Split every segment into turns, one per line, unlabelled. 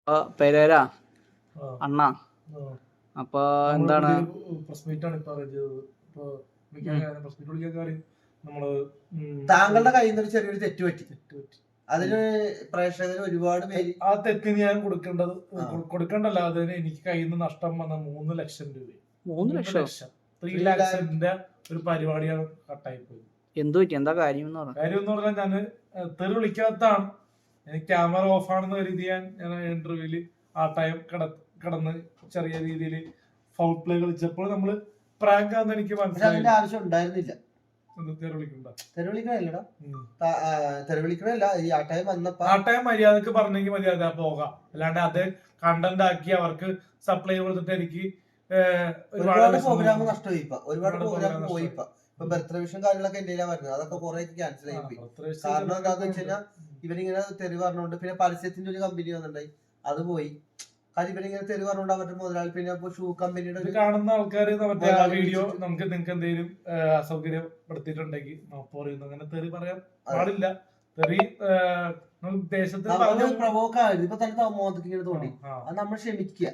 Pereira
ആ,
അണ്ണ
ആ.
അപ്പൊ
നമ്മള്
എന്താണ്
പുതിയൊരു press meet ആണ് ഇപ്പൊ arrange ചെയ്തത്. ഇപ്പൊ press meet വിളിക്കാൻ കാര്യം നമ്മള്
താങ്കളുടെ കയ്യിൽ നിന്ന് ഒരു ചെറിയൊരു തെറ്റ് പറ്റി.
തെറ്റ് പറ്റി.
അതിന് പ്രേക്ഷകർ ഒരുപാട് പേര്
ആ തെറ്റിന് ഞാൻ കൊടുക്കേണ്ടത്
ആ.
കൊടുക്കണ്ടല്ല, അതിന് എനിക്ക് കയ്യിൽ നിന്ന് നഷ്ടം വന്ന 3 ലക്ഷം രൂപ.
3 ലക്ഷം
3 ലക്ഷത്തിന്റെ ഒരു പരിപാടിയാണ് കട്ടായി പോയി.
എന്തു പറ്റി? എന്താ കാര്യം എന്ന് പറഞ്ഞു?
കാര്യം എന്ന് പറഞ്ഞാൽ ഞാൻ തെറി വിളിക്കാത്തതാണ്. എനിക്ക് ക്യാമറ ഓഫ് ആണെന്ന് കരുതി ഞാൻ ഇന്റർവ്യൂല് ആ ടൈം കിടന്ന് ചെറിയ രീതിയിൽ ഫൗൾ പ്ലേ കളിച്ചപ്പോൾ നമ്മള് പ്രാങ്ക് ആണെന്ന് എനിക്ക് മനസ്സിലായി.
അതിന്റെ ആവശ്യം ഉണ്ടായിരുന്നില്ല.
തെറി വിളിക്കണ്ട,
തെരുവിളിക്കണല്ലടാ, തെരുവിളിക്കണല്ല. ഈ ആ ടൈം വന്നപ്പോ
ആ ടൈം മര്യാദക്ക് പറഞ്ഞെങ്കിൽ മര്യാദ പോകാം. അല്ലാണ്ട് അത് കണ്ടന്റ് ആക്കി അവർക്ക് സപ്ലൈ കൊടുത്തിട്ട് എനിക്ക്
ഒരുപാട് പ്രോഗ്രാം നഷ്ടമായി. ഒരുപാട് പ്രോഗ്രാം പോയി. ഇപ്പൊ ബർത്ത്ഡേ വിഷൻ കാര്യങ്ങളൊക്കെ എന്റെ വരുന്നത്, അതൊക്കെ കുറെ ക്യാൻസൽ ആയി പോയി. കാരണം എന്താന്ന് വെച്ച് കഴിഞ്ഞാൽ ഇവരിങ്ങനെ തെറി പറഞ്ഞോണ്ട്, പിന്നെ പരസ്യത്തിന്റെ ഒരു കമ്പനി വന്നിട്ടുണ്ടായി, അത് പോയി. കാര്യം ഇവരിങ്ങനെ തെറി പറഞ്ഞോണ്ട് അവരുടെ മുതലാളി, പിന്നെ ഷൂ കമ്പനിയുടെ
കാണുന്ന ആൾക്കാര് മറ്റേ ആ വീഡിയോ നിങ്ങൾക്ക് എന്തെങ്കിലും അസൗകര്യപ്പെടുത്തിയിട്ടുണ്ടെങ്കിൽ പറയുന്നു. അങ്ങനെ തെറി പറയാൻ പാടില്ല. തെറി ദേശത്ത്
പ്രവോക്കായിരുന്നു. ഇപ്പൊ തന്നെ മോദക്ക് ഇങ്ങനെ തോന്നി, അത് നമ്മൾ ക്ഷമിക്കുക.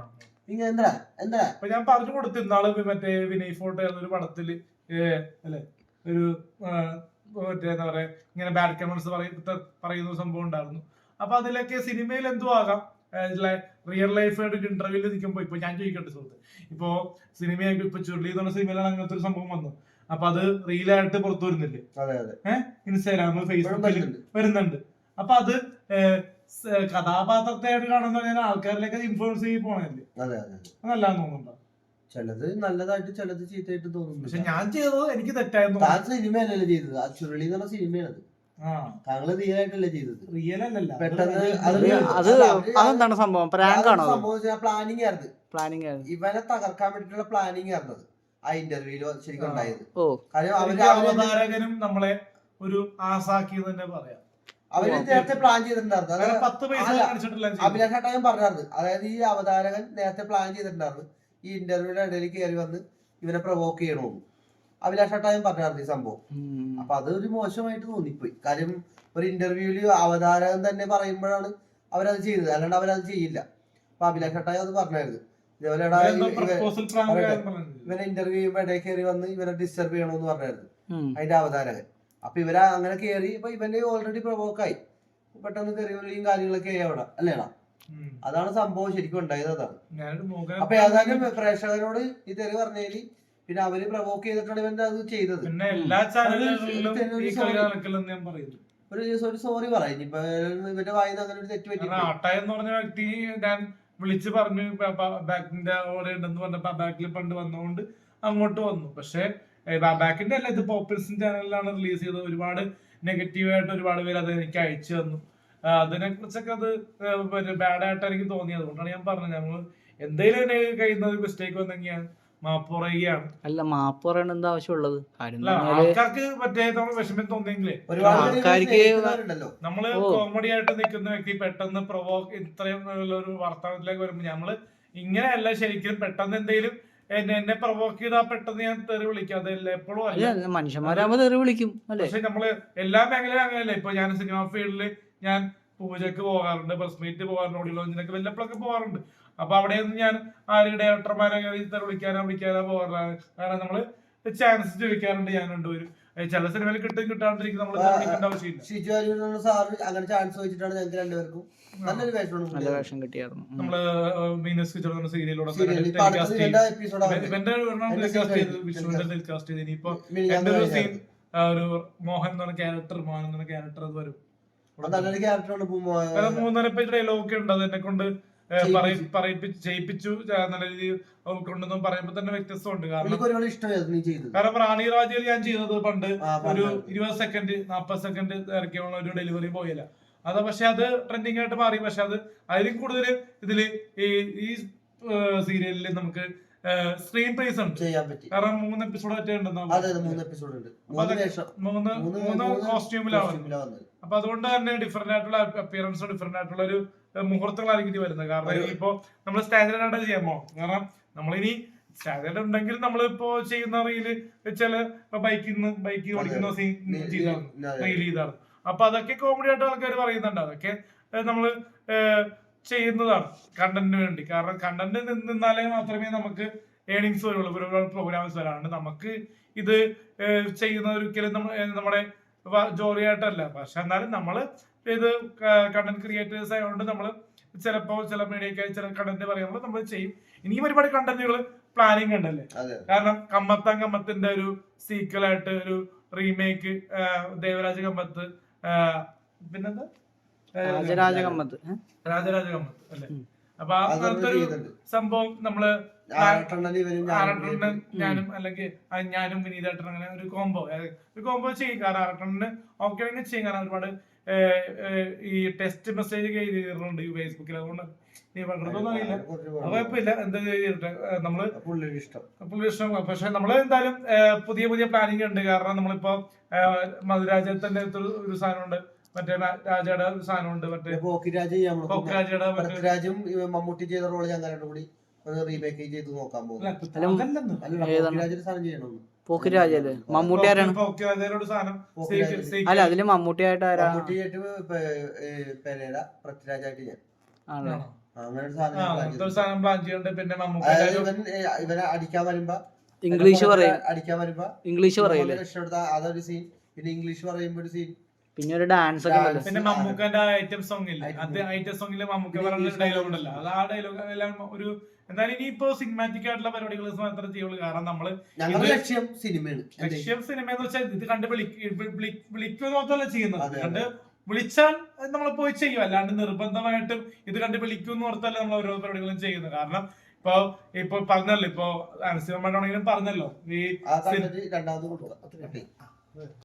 ഞാൻ പറഞ്ഞു കൊടുത്തു ഇന്നാള് മറ്റേ വിനയ് ഫോട്ടോ ഒരു പടത്തില് അല്ലെ ഒരു മറ്റേ എന്താ പറയാ ഇങ്ങനെ ബാഡ് കമന്റ്സ് പറയുന്ന സംഭവം ഉണ്ടായിരുന്നു. അപ്പൊ അതിലൊക്കെ സിനിമയിൽ എന്തോ ആകാം, റിയൽ ലൈഫായിട്ട് ഒരു ഇന്റർവ്യൂല് നിൽക്കുമ്പോ ഇപ്പൊ ഞാൻ ചോദിക്കട്ടെ സുഹൃത്ത്, ഇപ്പൊ സിനിമയായിട്ട് ഇപ്പൊ ചുരുളി എന്ന് പറഞ്ഞ സിനിമയിലാണ് അങ്ങനത്തെ ഒരു സംഭവം വന്നു. അപ്പൊ അത് റീലായിട്ട് പുറത്തു വരുന്നില്ലേ, ഇൻസ്റ്റാഗ്രാം ഫേസ്ബുക്കിൽ വരുന്നുണ്ട്. അപ്പൊ അത് കഥാപാത്രത്തെയായിട്ട് കാണുന്ന ആൾക്കാരിലേക്ക് ഇൻഫ്ലുവൻസ് ചെയ്ത് പോണല്ലേ, അതല്ലാന്ന് തോന്നുന്നുണ്ടോ?
ചിലത് നല്ലതായിട്ട് ചിലത് ചീത്തയായിട്ട് തോന്നുന്നു.
പക്ഷെ ഞാൻ ചെയ്തത് എനിക്ക് തെറ്റായിരുന്നു.
താൻ സിനിമയല്ലല്ലോ ചെയ്തത്, ആ ചുരുളി എന്ന് പറഞ്ഞ സിനിമയാണത്. താങ്കള് റിയൽ ആയിട്ടല്ലേ ചെയ്തത്?
റിയൽ അല്ലല്ല,
പെട്ടെന്ന്
അതെന്താണ് സംഭവം? പ്രാങ്ക് ആണോ?
പ്ലാനിങ് ആയിരുന്നു.
പ്ലാനിങ് ആയിരുന്നു.
ഇവനെ തകർക്കാൻ വേണ്ടിട്ടുള്ള പ്ലാനിങ് ആയിരുന്നത് ആ ഇന്റർവ്യൂല് ശരിക്കും ഉണ്ടായത്.
അവതാരകനും നമ്മളെ ഒരു ആസാക്കി തന്നെ പറയാം.
അവര് നേരത്തെ പ്ലാൻ ചെയ്തിട്ടുണ്ടായിരുന്നു. അഭിലാഷ് ഏട്ടായും പറഞ്ഞായിരുന്നു, അതായത് ഈ അവതാരകൻ നേരത്തെ പ്ലാൻ ചെയ്തിട്ടുണ്ടായിരുന്നു ഈ ഇന്റർവ്യൂയുടെ ഇടയിൽ കയറി വന്ന് ഇവനെ പ്രൊവോക്ക് ചെയ്യണമെന്ന്. അഭിലാഷ് ഏട്ടായും പറഞ്ഞായിരുന്നു ഈ സംഭവം. അപ്പൊ അതൊരു മോശമായിട്ട് തോന്നിപ്പോയി. കാര്യം ഒരു ഇന്റർവ്യൂല് അവതാരകൻ തന്നെ പറയുമ്പോഴാണ് അവരത് ചെയ്തത്, അല്ലാണ്ട് അവരത് ചെയ്യില്ല. അപ്പൊ അഭിലാഷ് ഏട്ടായും അത് പറഞ്ഞായിരുന്നു, ഇതേപോലെ ഇവനെ ഇന്റർവ്യൂ ചെയ്യുമ്പോ ഇടയിൽ കയറി വന്ന് ഇവനെ ഡിസ്റ്റർബ് ചെയ്യണമെന്ന് പറഞ്ഞായിരുന്നു അതിന്റെ അവതാരകൻ. അപ്പൊ ഇവരെ അങ്ങനെ കയറി, ഇപ്പൊ ഇവന്റെ ഓൾറെഡി പ്രൊവോക്കായി, പെട്ടെന്ന് തെറിവിളിയും കാര്യങ്ങളൊക്കെ അവിടെ അല്ലേടാ. അതാണ് സംഭവം ശരിക്കും ഉണ്ടായത്. അതാണ്. അപ്പൊ ഏതായാലും പ്രേക്ഷകരോട് ഈ തെറി പറഞ്ഞേല് പിന്നെ അവര് പ്രൊവോക്ക് ചെയ്തിട്ടാണ് ഇവന്റെ അത് ചെയ്തത്. ഒരു സോറി പറയും ഇപ്പൊ ഇവന്റെ വായിന്ന് അങ്ങനെ ഒരു തെറ്റ് പറ്റി.
ആട്ടായെന്ന് പറഞ്ഞ വ്യക്തി ഞാൻ വിളിച്ചു പറഞ്ഞു ബാക്കിന്റെ ഓടെ ഉണ്ടെന്ന് പറഞ്ഞപ്പോ ബാക്കിൽ പണ്ട് വന്നതുകൊണ്ട് അങ്ങോട്ട് വന്നു. പക്ഷെ ബാക്കിന്റെ അല്ല, ഇത് പോപ്പുലർ ചാനലിലാണ് റിലീസ് ചെയ്തത്. ഒരുപാട് നെഗറ്റീവായിട്ട് ഒരുപാട് പേര് അത് എനിക്ക് അയച്ചു തന്നു. അതിനെ കുറിച്ചൊക്കെ അത് ബാഡായിട്ട് എനിക്ക് തോന്നിയത്. അതുകൊണ്ടാണ് ഞാൻ പറഞ്ഞത്, ഞങ്ങൾ എന്തെങ്കിലും കഴിയുന്ന ഒരു മിസ്റ്റേക്ക് വന്നെങ്കിൽ ഞാൻ മാപ്പ് പറയുകയാണ്.
അല്ല, മാപ്പ് പറയണ എന്താ ആവശ്യമുള്ളത്?
ആൾക്കാർക്ക് മറ്റേ വിഷമം തോന്നിയെങ്കിലേ, നമ്മള് കോമഡി ആയിട്ട് നിൽക്കുന്ന വ്യക്തി പെട്ടെന്ന് ഇത്രയും ഒരു വർത്തമാനത്തിലേക്ക് വരുമ്പോ നമ്മള് ഇങ്ങനെയല്ല ശരിക്കും. പെട്ടെന്ന് എന്തെങ്കിലും എന്നെ പ്രൊവോക്ക് ചെയ്താൽ പെട്ടെന്ന് ഞാൻ തെറി വിളിക്കാം. അതല്ല എപ്പോഴും അല്ല,
മനുഷ്യന്മാരാകുമ്പോ തെറി വിളിക്കും.
പക്ഷെ നമ്മള് എല്ലാ മേഖലയിലും അങ്ങനെയല്ല. ഇപ്പൊ ഞാൻ സിനിമ ഫീൽഡില് ഞാൻ പൂജക്ക് പോകാറുണ്ട്, പ്രസ് മീറ്റ് പോകാറുണ്ട്, ഓഡിയോ ലോഞ്ചിനൊക്കെ വല്ലപ്പോഴൊക്കെ പോകാറുണ്ട്. അപ്പൊ അവിടെയൊന്നും ഞാൻ ആരും ഡയറക്ടർമാരെ വിളിക്കാനോ പോകാറാണ്. കാരണം നമ്മള് ചാൻസ് ചോദിക്കാറുണ്ട്. ഞാൻ രണ്ടുപേരും ചില സിനിമയിൽ കിട്ടാണ്ടിരിക്കും, നമ്മള് വിളിക്കേണ്ട ആവശ്യമില്ല.
സാറ് അങ്ങനെ ചാൻസ് ചോദിച്ചിട്ടാണ് ഞങ്ങൾക്ക് രണ്ടുപേർക്കും നല്ല വേഷം
കിട്ടിയായിരുന്നു.
നമ്മള് മീനസ് കിച്ചൺ സീരിയലിലൂടെ ഇനിയിപ്പോ എന്റെ ഒരു സീൻ ഒരു മോഹൻ എന്ന് പറഞ്ഞ ക്യാരക്ടർ അത് വരും. 3.5 പേജ് ഡയലോഗ് ഉണ്ട്. അത് എന്നെ കൊണ്ട് ചെയ്യിപ്പിച്ചു നല്ല രീതിയിൽ കൊണ്ടൊന്നും പറയുമ്പോ തന്നെ വ്യത്യസ്തമുണ്ട്. കാരണം റാണി രാജയിൽ ഞാൻ ചെയ്തത് പണ്ട് ഒരു 20 സെക്കൻഡ് 40 സെക്കൻഡ് ഇറക്കിയുള്ള ഒരു ഡെലിവറി ബോയല്ല. അത് പക്ഷെ അത് ട്രെൻഡിങ് ആയിട്ട് മാറി. പക്ഷെ അത് അതിലും കൂടുതൽ ഇതില് ഈ സീരിയലിൽ നമുക്ക് സ്ക്രീൻ പ്രൈസ് ഉണ്ട്. കാരണം 3 എപ്പിസോഡ് ഒറ്റ ഉണ്ടെന്നാണ്. 3 കോസ്റ്റ്യൂമിലാണ്. അപ്പൊ അതുകൊണ്ട് തന്നെ ഡിഫറെന്റ് ആയിട്ടുള്ള അപ്പിയറൻസ്, ഡിഫറെന്റ് ആയിട്ടുള്ള ഒരു മുഹൂർത്തങ്ങളായിരിക്കും ഇനി വരുന്നത്. കാരണം ഇപ്പൊ നമ്മൾ സ്റ്റാൻഡേർഡ് ആയിട്ട് ചെയ്യാൻ പോകും. കാരണം നമ്മളിനി സ്റ്റാൻഡേർഡ് ഉണ്ടെങ്കിൽ നമ്മളിപ്പോ ചെയ്യുന്ന റീല് വെച്ചാല് ബൈക്ക് ഓടിക്കുന്ന സീൻ റീൽ ചെയ്താണ്. അപ്പൊ അതൊക്കെ കോമഡി ആയിട്ട് ആൾക്കാർ പറയുന്നുണ്ട്. അതൊക്കെ നമ്മള് ചെയ്യുന്നതാണ് കണ്ടന്റിന് വേണ്ടി. കാരണം കണ്ടന്റ് നിന്നാലേ മാത്രമേ നമുക്ക് ഏണിങ്സ് വരുള്ളൂ, ഒരുപാട് പ്രോഗ്രാംസ് വരാണ്ട് നമുക്ക് ഇത് ചെയ്യുന്ന ഒരിക്കലും നമ്മുടെ ജോലിയായിട്ടല്ല. പക്ഷെ എന്നാലും നമ്മൾ ഇത് കണ്ടന്റ് ക്രിയേറ്റേഴ്സ് ആയതുകൊണ്ട് നമ്മൾ ചിലപ്പോൾ ചില മീഡിയക്കായി ചില കണ്ടന്റ് പറയുമ്പോൾ നമ്മൾ ചെയ്യും. ഇനിയും ഒരുപാട് കണ്ടന്റുകൾ പ്ലാനിങ് ഉണ്ടല്ലേ. കാരണം കമ്മത്തിന്റെ ഒരു സീക്വലായിട്ട് ഒരു റീമേക്ക് ദേവരാജ കമ്മത്ത്, പിന്നെന്താ
രാജരാജ കമ്മത്ത്
അല്ലെ. അപ്പൊ അങ്ങനത്തെ ഒരു സംഭവം നമ്മള് ഞാനും അല്ലെങ്കിൽ ഞാനും വിനീതേട്ടൻ അങ്ങനെ ഒരു കോംബോ ചെയ്യും. കാരണം ആറട്ടണ്ണന് ഓക്കെ ആണെങ്കിൽ ചെയ്യും. കാരണം ഒരുപാട് ഈ ടെസ്റ്റ് മെസ്സേജ് ചെയ്തിട്ടുണ്ട് ഫേസ്ബുക്കിൽ. അതുകൊണ്ട് നീ പണ്ടൊന്നും അറിയില്ല, കുഴപ്പമില്ല, എന്താ ചെയ്തിട്ട് നമ്മള് പുള്ളി ഇഷ്ടം. പക്ഷെ നമ്മള് എന്തായാലും പുതിയ പുതിയ പ്ലാനിങ് ഉണ്ട്. കാരണം നമ്മളിപ്പോ മധുരാജത്തിന്റെ ഒരു സാധനമുണ്ട്, മറ്റേ രാജയുടെ ഒരു സാധനമുണ്ട്, മറ്റേ പോക്കിരാജയുടെ
മമ്മൂട്ടി ചെയ്ത റോള് ഞാൻ കൂടി റീമേക്ക് ചെയ്ത് നോക്കാൻ പോകും.
പോക്കിരാജല്ലേ മമ്മൂട്ടി ആരാണ്? അല്ല അതില് മമ്മൂട്ടി ആയിട്ട് ആരാ?
പൃഥ്വിരാജായിട്ട് ഞാൻ
അങ്ങനെ ഒരു സാധനം പ്ലാൻ ചെയ്യുന്നുണ്ട്. പിന്നെ
ഇവനെ അടിക്കാൻ വരുമ്പോ
ഇംഗ്ലീഷ് പറയും,
ഇംഗ്ലീഷ് പറയില്ലേ അതൊരു സീൻ. പിന്നെ ഇംഗ്ലീഷ് പറയുമ്പോ ഒരു സീൻ,
പിന്നെ ഒരു ഡാൻസ് ഒക്കെ ഉണ്ട്.
പിന്നെ മമ്മൂക്കന്റെ ഐറ്റം സോങ് ഇല്ല, അത് ഐറ്റം സോങ്ങില് മമ്മൂക്ക പറയുന്ന ഡയലോഗ് ഉണ്ടല്ലോ, അത് ആ ഡയലോഗ് എല്ലാം ഒരു എന്തായാലും ഇനിയിപ്പോ സിനിമാറ്റിക് ആയിട്ടുള്ള പരിപാടികൾ മാത്രമേ ചെയ്യുള്ളൂ. കാരണം നമ്മള്
ലക്ഷ്യം സിനിമ
എന്ന് വെച്ചാൽ ഇത് കണ്ട് വിളിക്കുക മാത്രമല്ല ചെയ്യുന്നത്, കണ്ട് വിളിച്ചാൽ നമ്മൾ പോയി ചെയ്യും. അല്ലാണ്ട് നിർബന്ധമായിട്ടും ഇത് കണ്ട് വിളിക്കും ഓർത്തല്ല നമ്മൾ ഓരോ പരിപാടികളും ചെയ്യുന്നത്. കാരണം ഇപ്പൊ പറഞ്ഞല്ലോ, ഇപ്പൊ അനസിമാണെങ്കിലും പറഞ്ഞല്ലോ ഈ